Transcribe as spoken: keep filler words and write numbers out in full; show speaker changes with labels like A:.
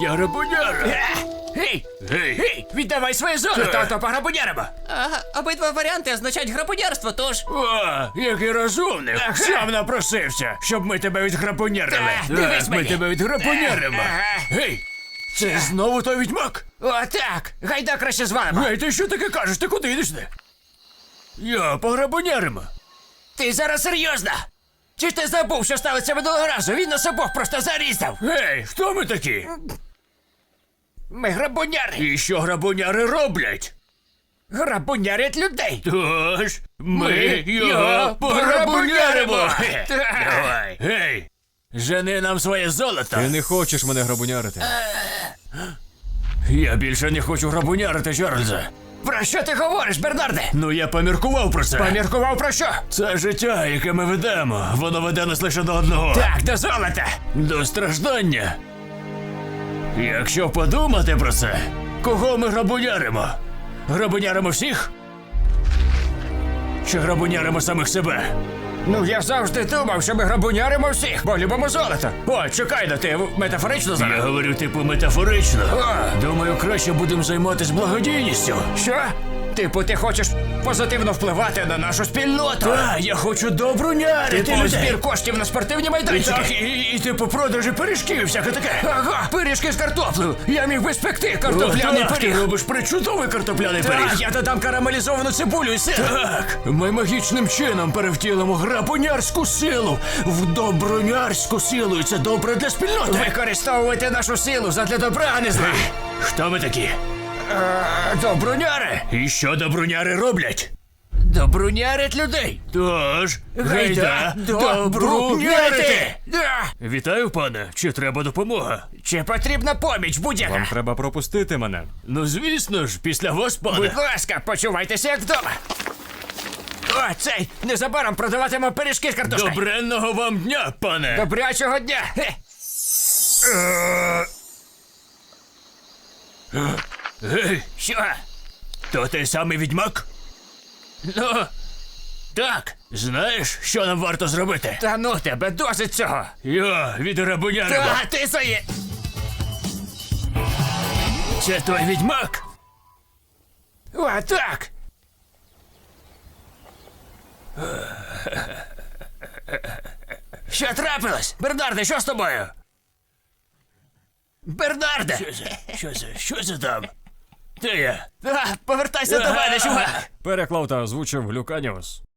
A: Я грабуняра.
B: Гей!
A: Гей.
B: Гей! Віддавай своє золото,
A: Е.
B: а то пограбуняримо!
C: Ага, обидва варіанти означають грабунярство, тож.
A: О, який розумник.
B: Ага.
A: Сам напросився, щоб ми тебе відграбунярили.
B: Так, дивись
A: ми
B: мені.
A: тебе відграбуняримо.
B: Ага.
A: Гей, це знову той відьмак?
B: О, так! Гайда краще звалимо!
A: Гей, ти що таке кажеш? Ти куди йдеш? ти? Я пограбуняримо.
B: Ти зараз серйозно? Чи ж ти забув, що сталося минулого разу? Він нас обох просто зарізав!
A: Гей, хто ми такі?
B: Ми грабуняри!
A: І що грабуняри роблять?
B: Грабунярять людей!
A: Тож, ми
B: Ми
A: його
B: його
A: пограбуняримо.
B: пограбуняримо.
A: Хе,
B: Так.
A: Давай. Гей, жени нам своє золото.
D: Ти не хочеш мене грабунярити.
A: Я більше не хочу грабунярити Чарльза.
B: Про що ти говориш, Бернарде?
A: Ну я поміркував про це.
B: Поміркував про що?
A: Це життя, яке ми ведемо, воно веде нас лише до одного.
B: Так, до золота!
A: До страждання. Якщо подумати про це, кого ми грабуняримо? Грабуняримо всіх? Чи грабуняримо самих себе?
B: Ну я завжди думав, що ми грабуняримо всіх, бо любимо золото. О, чекай, да ти метафорично
A: Я
B: зараз?
A: говорю, типу, метафорично.
B: А.
A: Думаю, краще будемо займатися благодійністю.
B: Що? Типу, ти хочеш позитивно впливати на нашу спільноту?
A: Так, я хочу добрунярити
B: Типу,
A: людей.
B: збір коштів на спортивні
A: І
B: майданчики?
A: так, і, і, і типу продажі пиріжків і всяке таке.
B: Ага, пиріжки з картоплею. Я міг би спекти картопляний
A: О, так, ти
B: пиріг.
A: робиш причудовий картопляний
B: Так,
A: пиріг.
B: я додам карамелізовану цибулю і сир.
A: Так, ми магічним чином перевтілимо грабунярську силу в добрунярську силу, і це добре для спільноти.
B: Використовувати нашу силу задля добра, а не зла.
A: Хто ми такі?
B: Е, Добруняри.
A: І що добруняри роблять?
B: Добрунярять людей.
A: Тож, гайда,
B: добрунярити.
A: добрунярити!
B: Да.
A: Вітаю, пане. Чи треба допомога?
B: Чи потрібна поміч будь-яка?
D: Вам треба пропустити мене.
A: Ну, звісно ж, після вас, пане.
B: Будь ласка, почувайтеся як вдома. О, цей, незабаром продаватимемо пиріжки з картошкою.
A: Добренного вам дня, пане.
B: Добрячого дня. Хе.
A: Гей,
B: Що?
A: то той самий відьмак?
B: Ну,
A: Так. Знаєш, що нам варто зробити?
B: та ну тебе, досить цього.
A: Я від грабуняримо.
B: Та ти своє.
A: Це той відьмак?
B: О, так. Що трапилось? Бернарде, що з тобою? Бернарде!
A: Що це? Що це? Що це там? Де я?
B: А, повертайся до мене, чувак!
D: Переклав та озвучив Глюканіус.